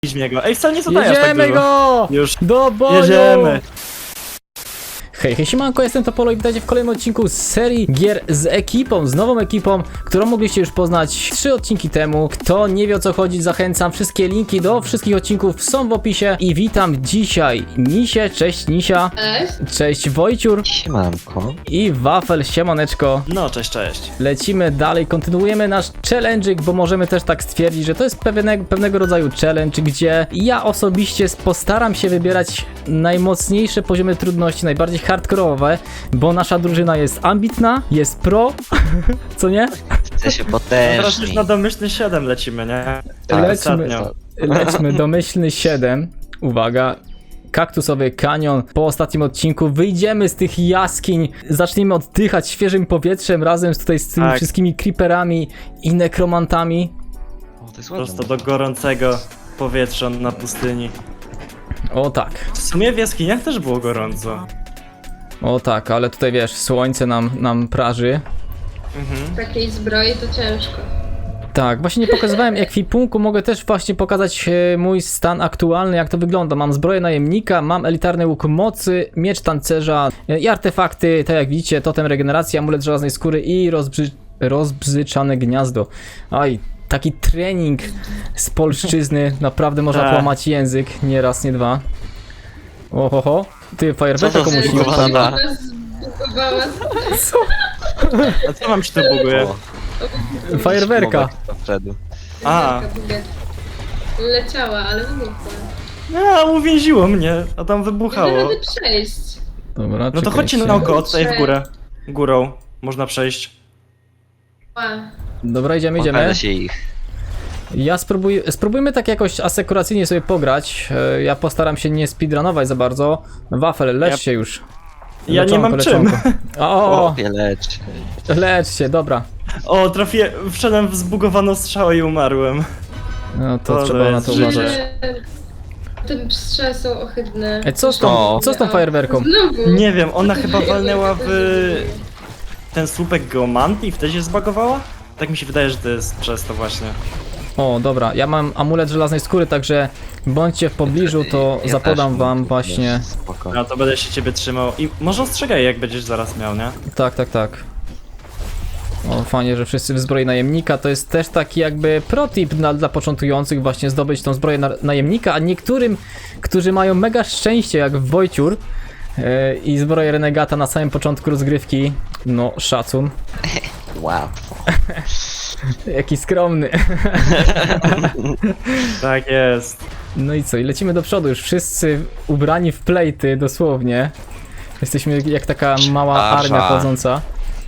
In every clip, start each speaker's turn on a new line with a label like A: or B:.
A: w niego. Ej, wcale nie zadaję aż tak
B: Jedziemy
A: dużo.
B: go!
A: Już.
B: Do boju!
A: Jedziemy.
B: Hej, siemanko, jestem Topolo i witajcie w kolejnym odcinku z serii gier z ekipą, z nową ekipą, którą mogliście już poznać 3 odcinki temu. Kto nie wie, o co chodzi, zachęcam. Wszystkie linki do wszystkich odcinków są w opisie. I witam dzisiaj Nisię, cześć Nisia.
C: Cześć.
B: Cześć Wojciur.
D: Siemanko.
B: I Wafel, siemaneczko.
A: No, cześć, cześć.
B: Lecimy dalej, kontynuujemy nasz challenge'ik, bo możemy też tak stwierdzić, że to jest pewnego rodzaju challenge, gdzie ja osobiście postaram się wybierać najmocniejsze poziomy trudności, najbardziej hardkorowe, bo nasza drużyna jest ambitna, jest pro, co nie?
D: Chce się
A: Teraz już
D: potężni.
A: na domyślny 7 lecimy, nie?
D: Tak,
B: Lecimy.
A: ostatnio.
B: Lećmy domyślny 7, uwaga. Kaktusowy kanion. Po ostatnim odcinku wyjdziemy z tych jaskiń, zaczniemy oddychać świeżym powietrzem razem z tymi
A: Tak.
B: wszystkimi creeperami i nekromantami.
D: O, to jest
A: Prosto
D: ładne.
A: do gorącego powietrza na pustyni.
B: O tak,
A: W sumie w jaskiniach też było gorąco.
B: o tak, ale tutaj wiesz, słońce nam praży.
A: Mhm.
C: W takiej zbroi to ciężko.
B: Tak, właśnie nie pokazywałem ekwipunku, mogę też właśnie pokazać mój stan aktualny, jak to wygląda. Mam zbroję najemnika, mam elitarny łuk mocy, miecz tancerza i artefakty, tak jak widzicie, totem regeneracji, amulet żelaznej skóry i rozbzyczane gniazdo. Aj, taki trening z polszczyzny, naprawdę można
A: Tak.
B: połamać język, nie raz, nie dwa. Ohoho, ty fajerwerka
D: Co to
B: komuś nie
D: zbugowana?
B: odpalił.
D: Dobra.
C: Zbugowała.
B: Co?
A: A co mam się tu buguje?
D: O,
B: Fajerwerka.
D: moment do Fredu.
A: A.
C: Leciała, ale wybuchła.
A: No, uwięziło mnie, a tam
C: Nie da
A: wybuchało.
C: rady przejść.
B: Dobra,
A: No to
B: czekajcie.
A: chodźcie naokoło, tutaj w górę. Górą można przejść.
C: Ła.
B: Dobra, idziemy.
D: Pokaże się ich.
B: Ja spróbujmy tak jakoś asekuracyjnie sobie pograć. Ja postaram się nie speedrunować za bardzo. Wafel, lecz
A: Ja-
B: się już.
A: Ja nie mam czym.
B: O,
D: O, lecz.
B: lecz się, dobra.
A: O, wszedłem w zbugowaną strzałę i umarłem.
B: No to
A: To
B: trzeba na
A: jest
B: to
A: życie.
B: uważać.
C: Te strzały są ohydne.
B: Ej, co z
D: O.
B: tą fajerwerką?
C: Znowu.
A: Nie wiem, ona chyba walnęła w ten słupek geomantii i wtedy się zbagowała? Tak mi się wydaje, że to jest przez to właśnie.
B: O, dobra, ja mam amulet żelaznej skóry, także bądźcie w pobliżu, to
D: Ja
B: zapodam
D: też
B: wam
D: mam.
B: właśnie.
D: Spoko.
A: No to będę się ciebie trzymał i może ostrzegaj jak będziesz zaraz miał, nie?
B: Tak, tak, tak. O, fajnie, że wszyscy w zbroi najemnika. To jest też taki jakby protip dla początkujących właśnie zdobyć tą zbroję najemnika, a niektórym, którzy mają mega szczęście jak Wojciur i zbroję renegata na samym początku rozgrywki, no szacun.
D: Wow.
B: Jaki skromny.
A: Tak jest.
B: No i co, i lecimy do przodu, już wszyscy ubrani w plejty dosłownie. Jesteśmy jak taka mała
D: Szarża.
B: armia chodząca.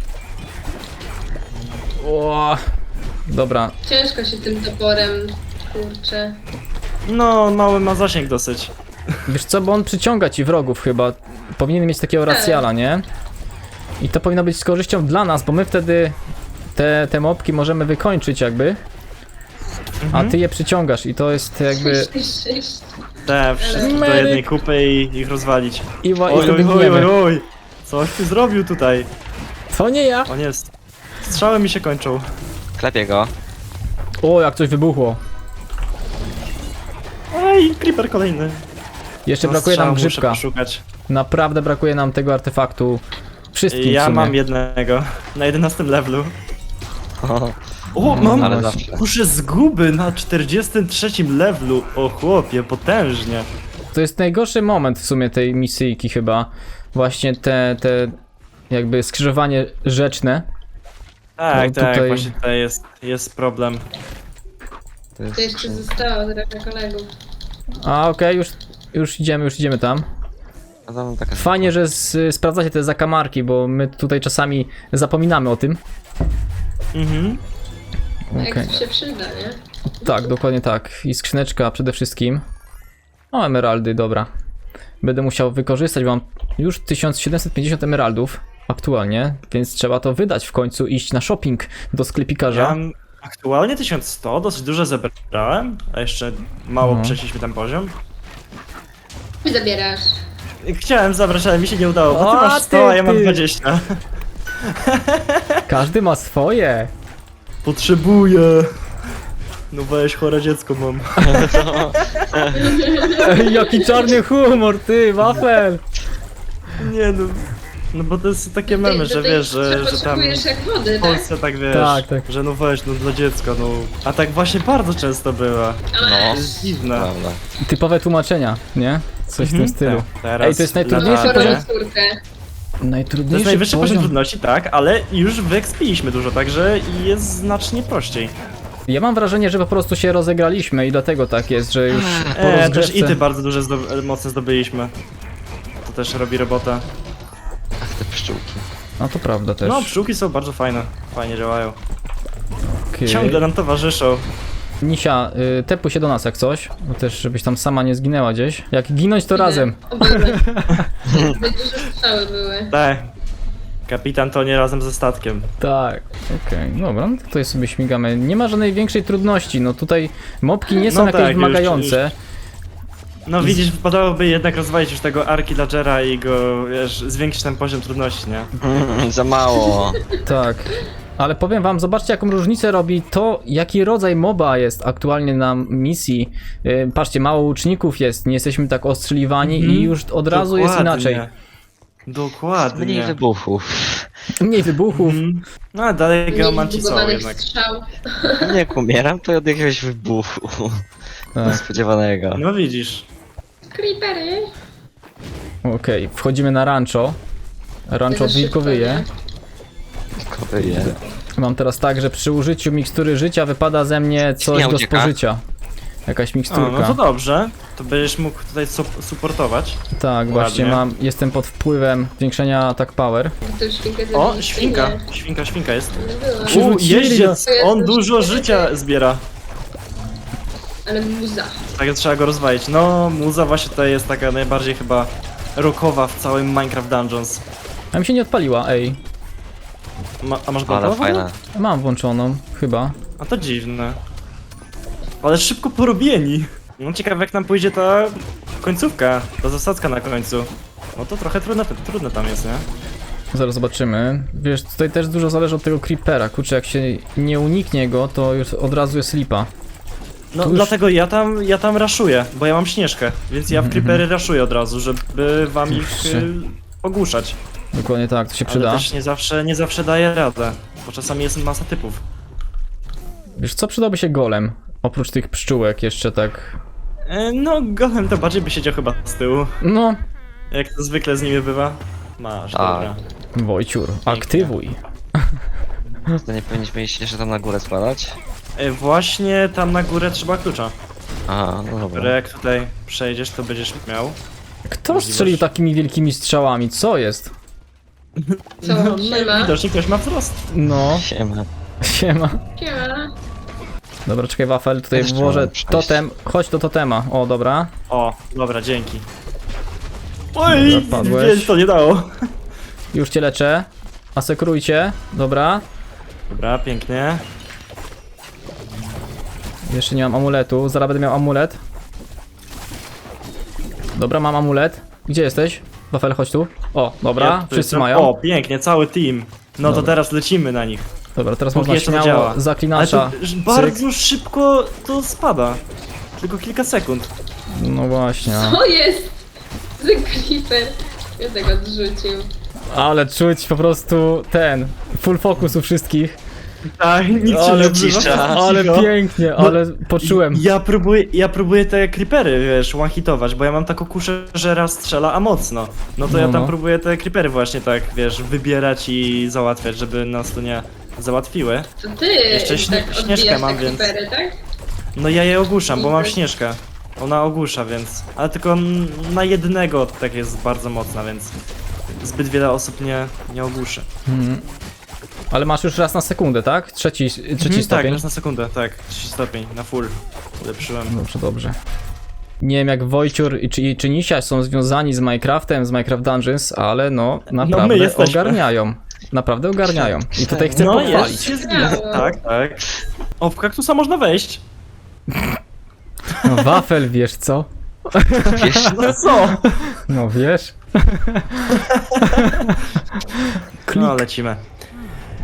B: O, dobra,
C: Ciężko się tym toporem, kurczę.
A: No, mały ma zasięg dosyć.
B: wiesz co, bo on przyciąga ci wrogów chyba. Powinien mieć takiego racjala, nie? I to powinno być z korzyścią dla nas, bo my wtedy te mopki możemy wykończyć jakby. A ty je przyciągasz i to jest jakby...
C: 6.
A: Te wszystkie do
B: Medyk.
A: jednej kupy i ich rozwalić.
B: I
A: Oj,
B: wtedy
A: oj, oj, oj,
B: gniemy.
A: oj. Coś ty zrobił tutaj.
B: To nie ja!
A: O nie, strzały mi się kończą.
D: Klepię go.
B: O, jak coś wybuchło.
A: Ej, creeper kolejny.
B: Jeszcze
A: No,
B: brakuje nam
A: strzał muszę
B: grzybka.
A: poszukać.
B: Naprawdę brakuje nam tego artefaktu. Wszystkim w
A: Ja
B: sumie.
A: mam jednego. Na 11 levelu.
D: O,
A: O,
B: No,
A: mam
D: ale zawsze.
A: kuszę zguby na 43 levelu. O chłopie, potężnie.
B: To jest najgorszy moment w sumie tej misyjki chyba. Właśnie te jakby skrzyżowanie rzeczne.
A: Tak,
B: No,
A: tak,
B: tutaj-
A: właśnie tutaj jest problem.
D: to jest...
C: To jeszcze zostało trochę kolegów.
B: A okej, już idziemy tam.
D: A tam taka...
B: Fajnie, że sprawdzacie te zakamarki, bo my tutaj czasami zapominamy o tym.
A: Mhm.
B: Okej.
C: Jak się przyda, nie?
B: Tak, dokładnie tak. I skrzyneczka przede wszystkim. O, emeraldy, dobra. Będę musiał wykorzystać, bo mam już 1750 emeraldów aktualnie, więc trzeba to wydać w końcu, iść na shopping do
A: Ja
B: sklepikarza.
A: mam aktualnie 1100, dosyć dużo zebrałem, a jeszcze mało
B: No.
A: przeszliśmy ten poziom.
C: Ty zabierasz.
A: Chciałem zabrać, ale mi się nie udało, bo ty
B: O,
A: masz 100, a ja mam
B: ty.
A: 20.
B: Każdy ma swoje.
A: Potrzebuję. No weź, chore dziecko mam.
B: Ej, jaki czarny humor, ty, wafel!
A: Nie no. No bo to jest takie memy, że wiesz, że tam
C: Potrzebujesz jak wody,
A: w
C: tak?
A: Polsce tak wiesz,
B: Tak.
A: że no weź, no dla dziecka, no. A tak właśnie bardzo często była.
D: No,
A: To jest dziwne.
D: prawda.
B: Typowe tłumaczenia, nie? Coś w tym stylu.
A: Tak, teraz
B: Ej, to jest najtrudniejszy
A: latarnie.
B: poziom.
C: Chorą córkę.
A: To
B: Najtrudniejszy
A: jest najwyższy poziom trudności, tak, ale już wyekspiliśmy dużo, także jest znacznie prościej.
B: Ja mam wrażenie, że po prostu się rozegraliśmy i dlatego tak jest, że już po
A: Też
B: rozgrzewce...
A: i ty bardzo duże moce zdobyliśmy. To też robi robotę.
D: Ach, te pszczółki.
B: No to prawda też.
A: No, pszczółki są bardzo fajne, fajnie działają.
B: Okej.
A: Ciągle nam towarzyszą.
B: Nisia, tepuj się do nas jak coś, bo też żebyś tam sama nie zginęła gdzieś. Jak ginąć to razem.
C: O, były. Zbyt duże strzały były.
A: Tak. Kapitan to nie razem ze statkiem.
B: Tak, okej, dobra, no to tutaj sobie śmigamy. Nie ma żadnej większej trudności, no tutaj mobki nie są
A: No
B: jakieś
A: tak,
B: wymagające.
A: No widzisz, wypadałoby jednak rozwalić już tego Arkillagera i go, wiesz, zwiększyć ten poziom trudności, nie?
D: Za mało.
B: Tak. Ale powiem wam, zobaczcie jaką różnicę robi to, jaki rodzaj moba jest aktualnie na misji. Patrzcie, mało łuczników jest, nie jesteśmy tak ostrzeliwani i już od razu jest inaczej.
A: Dokładnie.
D: Mniej wybuchów.
B: Mniej wybuchów.
A: No ale dalej
C: Mniej
A: geomanci są
C: zbugowanych
A: jednak.
C: strzał.
D: Jak umieram, to od jakiegoś wybuchu.
B: Tak.
D: Niespodziewanego.
A: No widzisz.
C: Creepery.
B: Okej, wchodzimy na rancho. Rancho
C: Za szybko,
B: wilkowyje.
D: Kowyje.
B: Mam teraz tak, że przy użyciu mikstury życia wypada ze mnie coś
D: Świnia
B: do
D: ucieka.
B: spożycia. Jakaś
A: O,
B: miksturka.
A: no to dobrze. To będziesz mógł tutaj supportować.
B: Tak, właśnie jestem pod wpływem zwiększenia attack power.
C: To świnkę
A: O,
C: zabiliście,
A: świnka.
C: nie?
A: Świnka jest.
C: Nie było.
B: Przywrócili
A: Jeździec!
C: nas.
A: On dużo życia zbiera.
C: Ale muza.
A: Tak, trzeba go rozwalić. No, muza właśnie tutaj jest taka najbardziej chyba rockowa w całym Minecraft Dungeons.
B: A mi się nie odpaliła, ej.
A: A masz
D: Ale
A: go
D: fajne.
B: Mam włączoną, chyba.
A: A to dziwne. Ale szybko porobieni. No ciekawe jak nam pójdzie ta końcówka, ta zasadzka na końcu. No to trochę trudne tam jest, nie?
B: Zaraz zobaczymy. Wiesz, tutaj też dużo zależy od tego creepera. Kurczę, jak się nie uniknie go, to już od razu jest lipa.
A: No
B: Tu już-
A: dlatego ja tam raszuję, bo ja mam Śnieżkę, więc ja w creepery raszuję od razu, żeby wam ich
B: Kurczę.
A: ogłuszać.
B: Dokładnie tak, to się
A: Ale
B: przyda.
A: też nie zawsze daje radę, bo czasami jest masa typów.
B: Wiesz, co przydałby się golem? Oprócz tych pszczółek jeszcze tak...
A: No golem to bardziej by siedział chyba z tyłu,
B: No,
A: jak to zwykle z nimi bywa. Masz,
D: Tak.
A: dobra.
B: Wojciur, aktywuj.
D: To nie powinniśmy iść jeszcze tam na górę składać?
A: Właśnie tam na górę trzeba klucza,
D: Aha, no
A: które
D: dobra.
A: jak tutaj przejdziesz to będziesz miał.
B: Kto
A: Możliwość.
B: strzelił takimi wielkimi strzałami? Co jest?
C: Co?
A: No
C: Siema.
A: widocznie ktoś ma wzrost.
B: No,
D: Siema.
B: siema.
C: Siema.
B: Dobra, czekaj, Wafel, tutaj
D: Też
B: włożę
D: chciałem przejść.
B: totem. Chodź do totema. O, dobra.
A: O, dobra, dzięki. Oj,
B: Dobra, padłeś.
A: więc to nie dało.
B: Już cię leczę. Asekurujcie. Dobra.
A: Dobra, pięknie.
B: Jeszcze nie mam amuletu. Zaraz będę miał amulet. Dobra, mam amulet. Gdzie jesteś? Wafel, chodź tu. O, dobra,
A: Ja tu
B: wszyscy
A: jestem.
B: mają.
A: O, pięknie, cały team. No
B: Dobra.
A: to teraz lecimy na nich.
B: Dobra, teraz
A: Póki
B: można
A: jeszcze to
B: śmiało
A: działa. Ale
B: zaklinacza.
A: to bardzo szybko to spada. Tylko kilka sekund.
B: No właśnie.
C: Co jest? Ten creeper. Ja tego odrzucił.
B: Ale czuć po prostu ten full focus u wszystkich.
A: Tak, nic się
B: Ale
A: nie odzywa.
D: cisza.
B: Ale
A: Cicho.
B: pięknie,
A: No,
B: ale poczułem.
A: Ja próbuję te creepery, wiesz, one-hitować, bo ja mam taką kuszę, że raz strzela, a mocno. No to ja tam
B: No.
A: próbuję te creepery właśnie tak, wiesz, wybierać i załatwiać, żeby nas tu nie załatwiły.
C: To ty
A: Jeszcze
C: tak
A: Śnieżkę
C: odbijasz
A: mam,
C: te
A: więc-
C: creepery, tak?
A: No ja je ogłuszam, bo mam Śnieżkę. Ona ogłusza, więc... Ale tylko na jednego tak jest bardzo mocna, więc... Zbyt wiele osób nie ogłuszy.
B: Mhm. Ale masz już raz na sekundę, tak? Trzeci
A: Tak,
B: stopień.
A: raz na sekundę, tak. 3 stopień, na full. Ulepszyłem.
B: Dobrze, dobrze. Nie wiem jak Wojciur czy Nisia są związani z Minecraftem, z Minecraft Dungeons, ale no naprawdę
A: jesteśmy.
B: ogarniają. Naprawdę ogarniają. I tutaj chcę
A: No
B: pochwalić.
A: jest, się zgadza. Tak, tak. O, w kaktusa można wejść.
B: No, Wafel, wiesz co?
D: Wiesz,
A: No co?
B: No wiesz.
A: No lecimy.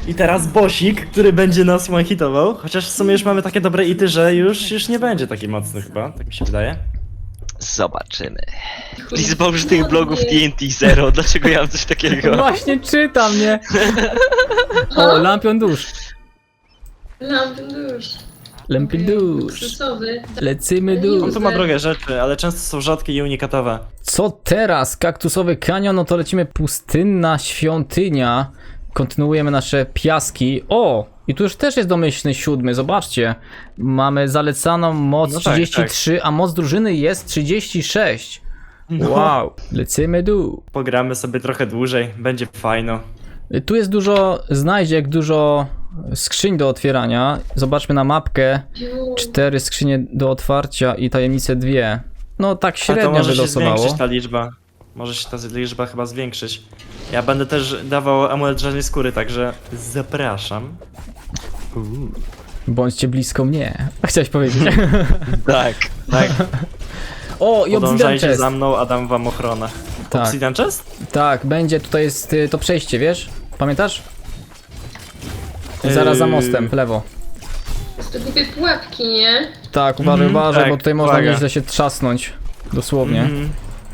A: I teraz bossik, który będzie nas one-hitował. Chociaż w sumie już mamy takie dobre ity, że już nie będzie taki mocny chyba, tak mi się wydaje.
D: Zobaczymy. Liczba użytych blogów TNT 0, dlaczego ja mam coś takiego?
B: Właśnie czytam, nie? O, lampion dusz.
C: Lampion dusz.
B: Lampion dusz.
C: Luksusowy.
B: Lecymy
A: On
B: dusz.
A: tu ma drogie rzeczy, ale często są rzadkie i unikatowe.
B: Co teraz? Kaktusowy kanion, no to lecimy pustynna świątynia. Kontynuujemy nasze piaski. O! I tu już też jest domyślny 7, zobaczcie. Mamy zalecaną moc
A: No tak,
B: 33, a moc drużyny jest 36.
A: No.
B: Wow, lecimy dół.
A: Pogramy sobie trochę dłużej, będzie fajno.
B: Tu jest dużo znajdziek, dużo skrzyń do otwierania. Zobaczmy na mapkę. 4 skrzynie do otwarcia i tajemnice 2. No tak
A: A to
B: średnio
A: może się
B: wylosowało.
A: zwiększyć ta liczba. Może się ta liczba chyba zwiększyć. Ja będę też dawał amulet żadnej skóry, także zapraszam.
B: Bądźcie blisko mnie. Chciałeś powiedzieć.
D: Tak.
A: Tak,
B: O, i Obsidian
A: podążajcie
B: Chest.
A: za mną, a dam wam ochronę.
B: Tak.
A: Obsidian chest?
B: Tak, będzie, tutaj jest to przejście, wiesz? Pamiętasz? Zaraz za mostem, w lewo.
C: To głupie pułapki, nie?
B: Tak, uważaj,
A: Mhm,
B: uważaj,
A: tak,
B: bo tutaj można
A: uwaga.
B: nieźle się trzasnąć. Dosłownie.
A: Mhm.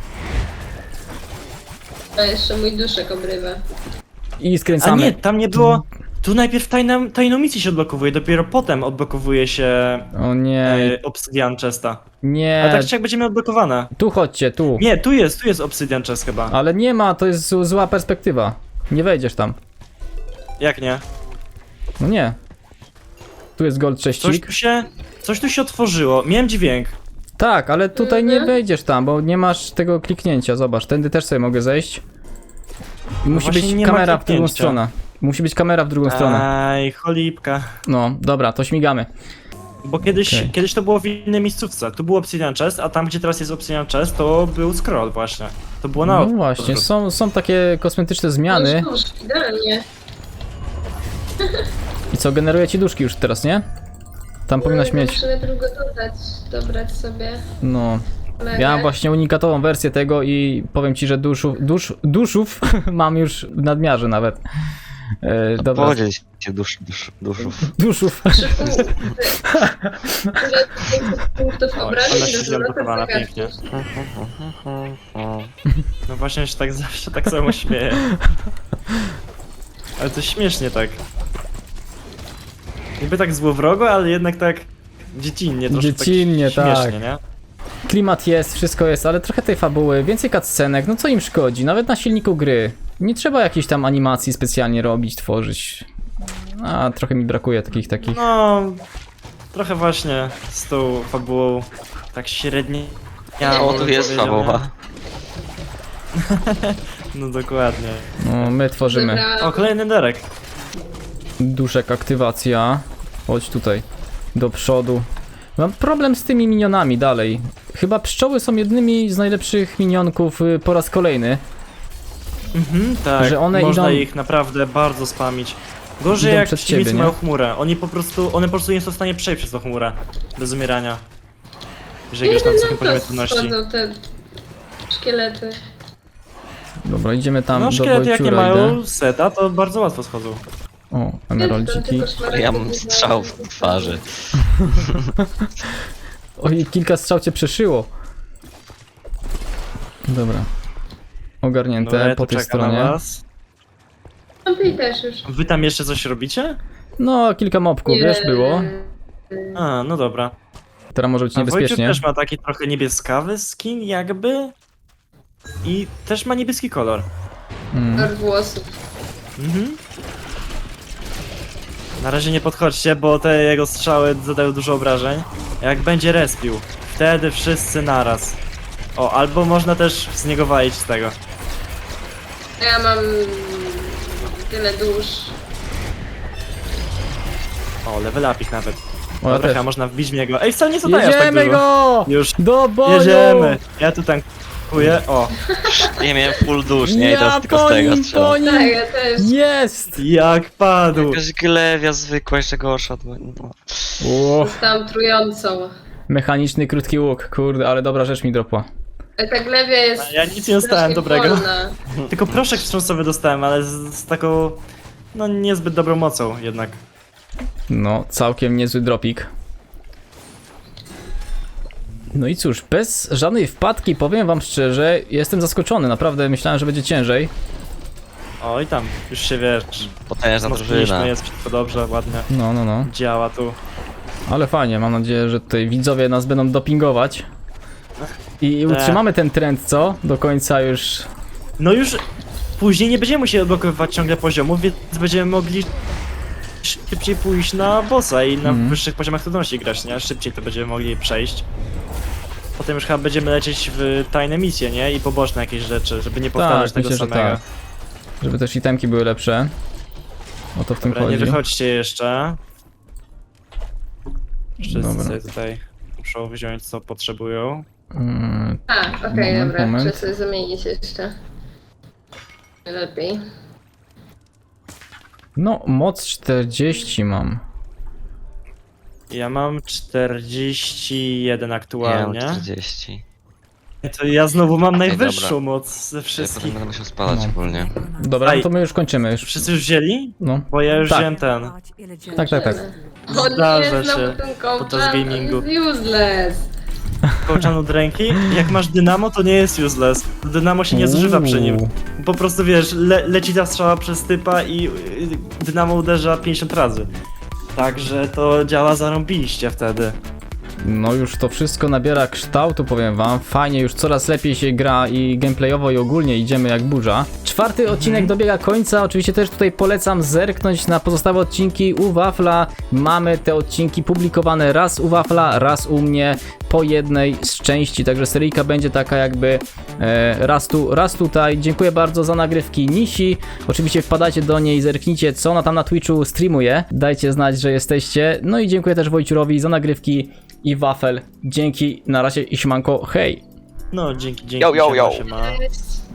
C: A jeszcze mój duszek obrywa.
B: I
A: A
B: skręcamy.
A: nie, tam nie było... Tu najpierw tajną misję się odblokowuje, dopiero potem odblokowuje się
B: O nie,
A: Obsidian chesta. A
B: nie.
A: tak czy jak będzie miał odblokowane?
B: Tu chodźcie, tu.
A: Nie, tu jest Obsidian chest chyba.
B: Ale nie ma, to jest zła perspektywa. Nie wejdziesz tam.
A: Jak nie?
B: No nie. Tu jest gold cześcik.
A: Coś tu się otworzyło, miałem dźwięk.
B: Tak, ale tutaj nie
C: Mhm.
B: wejdziesz tam, bo nie masz tego kliknięcia. Zobacz, tędy też sobie mogę zejść. I musi
A: właśnie
B: być
A: nie ma
B: kamera w drugą
A: kliknięcia.
B: stronę. Musi być kamera w drugą stronę.
A: Aj, cholipka.
B: No, dobra, to śmigamy.
A: Bo kiedyś,
B: Okej.
A: kiedyś to było w innej miejscówce. Tu był Obsidian chest, a tam gdzie teraz jest Obsidian chest, to był scroll właśnie. To było na
B: No właśnie, są takie kosmetyczne zmiany.
C: Dusz, idealnie.
B: I co, generuje ci duszki już teraz, nie? Tam powinnaś mieć.
C: Muszę najpierw go dobrać sobie.
B: No.
C: Mega.
B: Ja mam właśnie unikatową wersję tego i powiem ci, że duszów mam już w nadmiarze nawet. Dobra.
D: Podziel się duszów.
B: Duszów.
C: 3 punktów
A: Oj,
C: obrażeń
A: ona się
C: do
A: zablokowana
C: zwrotu
A: pięknie.
C: zagadki.
A: No właśnie się tak zawsze tak samo śmieję. Ale to śmiesznie tak. Niby tak złowrogo, ale jednak tak dziecinnie, troszkę
B: Dziecinnie,
A: tak śmiesznie,
B: tak.
A: nie?
B: Klimat jest, wszystko jest, ale trochę tej fabuły, więcej cutscenek, no co im szkodzi? Nawet na silniku gry. Nie trzeba jakiejś tam animacji specjalnie robić, tworzyć. A, trochę mi brakuje takich.
A: No, trochę właśnie z tą fabułą tak średnie.
D: O, tu jest fabuła.
A: No dokładnie.
B: No, my tworzymy.
C: Dobra.
A: O, kolejny derek.
B: Duszek, aktywacja. Chodź tutaj. Do przodu. Mam problem z tymi minionami dalej. Chyba pszczoły są jednymi z najlepszych minionków po raz kolejny.
A: Mhm, tak,
B: Że one
A: można
B: idą-
A: ich naprawdę bardzo spamić. Gorzej
B: Idą
A: jak
B: przed
A: przeciwnicy
B: ciebie,
A: mają
B: nie?
A: chmurę. One po prostu nie są w stanie przejść przez tą chmurę. Bez umierania. Jeżeli już na wysokim poziomie trudności.
C: Schodzą te szkielety.
B: Dobra, idziemy tam
A: No
B: do
A: szkielety jak nie
B: Wojciura idę.
A: mają seta, to bardzo łatwo schodzą.
B: O, emeraldziki.
D: Ja mam strzał w twarzy.
B: Oj, kilka strzał cię przeszyło. Dobra. Ogarnięte
A: Dobra, ja
B: po
A: tu
B: tej
A: czekam na
B: stronie.
A: was.
C: Tamtej też już.
A: Wy tam jeszcze coś robicie?
B: No, kilka mopków, wiesz, było.
A: A, no dobra.
B: Teraz może być
A: A Wojciech
B: niebezpiecznie.
A: też ma taki trochę niebieskawy skin jakby. I też ma niebieski kolor.
B: Mm.
C: Od włosów.
A: Mhm. Na razie nie podchodźcie, bo te jego strzały zadają dużo obrażeń. Jak będzie respił, wtedy wszyscy naraz. O, albo można też z niego walić z tego.
C: Ja mam tyle dusz.
A: O, level upik nawet.
B: O, ja
A: Dobra,
B: też.
A: chyba można wbić w niego. Ej, wcale nie zadaje aż tak
B: Jedziemy
A: dużo.
B: go!
A: Już
B: Do boju!
A: jedziemy. Ja tu tankuję. O,
D: Ja miałem full dusz, nie? I
B: Ja
D: teraz tylko z
B: po
D: tego
B: nim,
D: strzelam.
B: po nim!
C: Tak, ja też.
B: Jest!
A: jak padł.
D: Jakaś glewia zwykła, jeszcze gorsza od mojego.
B: O,
C: Zostałam trującą.
B: mechaniczny krótki łuk, kurde, ale dobra rzecz mi dropła.
C: Ale ta glewia jest.
A: Ja nic nie dostałem
C: strasznie
A: dobrego.
C: wolna.
A: Tylko proszek wstrząsowy dostałem, ale z taką no niezbyt dobrą mocą jednak.
B: No, całkiem niezły dropik. No i cóż, bez żadnej wpadki, powiem wam szczerze, jestem zaskoczony, naprawdę myślałem, że będzie ciężej.
A: Oj tam, już się wiesz.
D: Potężna drużyna.
A: Mocniliśmy, jest wszystko dobrze, ładnie.
B: No.
A: Działa tu.
B: Ale fajnie, mam nadzieję, że tutaj widzowie nas będą dopingować. I utrzymamy ten trend, co? Do końca już...
A: No już później nie będziemy musieli odblokowywać ciągle poziomów, więc będziemy mogli szybciej pójść na bossa i na wyższych poziomach trudności grać, nie? Szybciej to będziemy mogli przejść. Potem już chyba będziemy lecieć w tajne misje, nie? I poboczne jakieś rzeczy, żeby nie powtarzać tego
B: myślę, że
A: samego.
B: tak. Żeby też itemki były lepsze. O to w tym
A: Dobra, nie
B: chodzi.
A: wychodźcie jeszcze. Wszyscy
B: Dobra.
A: sobie tutaj muszą wziąć co potrzebują.
C: A, okej,
B: Moment,
C: dobra.
B: moment.
C: Muszę sobie zamienić jeszcze. Lepiej.
B: No, moc 40 mam.
A: Ja mam 41
D: Ja mam
A: aktualnie.
D: 40.
A: To ja znowu mam
D: Ej,
A: najwyższą
D: dobra.
A: moc ze
D: Ja potem
A: wszystkich.
D: będę musiał spadać
B: No.
D: ogólnie.
B: Dobra,
A: Ej.
B: no to my już kończymy. Już.
A: Wszyscy już wzięli?
B: No.
A: Bo ja już
B: Tak.
A: wziąłem ten.
B: Tak.
C: O
A: Zdarza
C: nie, znowu
A: się
C: ten
A: podczas
C: kołczan
A: gamingu.
C: jest useless.
A: Kołczan od ręki. Jak masz dynamo, to nie jest useless. Dynamo się nie zużywa przy nim. Po prostu wiesz, leci ta strzała przez typa i dynamo uderza 50 razy. Także to działa zarąbiście wtedy.
B: No już to wszystko nabiera kształtu, powiem wam. Fajnie, już coraz lepiej się gra i gameplayowo i ogólnie idziemy jak burza. 4. odcinek dobiega końca. Oczywiście też tutaj polecam zerknąć na pozostałe odcinki u Wafla. Mamy te odcinki publikowane raz u Wafla, raz u mnie po jednej z części. Także seryjka będzie taka jakby raz tu, raz tutaj. Dziękuję bardzo za nagrywki Nisi. Oczywiście wpadajcie do niej, zerknijcie co ona tam na Twitchu streamuje. Dajcie znać, że jesteście. No i dziękuję też Wojciurowi za nagrywki i Wafel. Dzięki, na razie i siemanko, hej!
A: No, dzięki.
D: Yo, yo, yo.
A: Siema.
C: Cześć.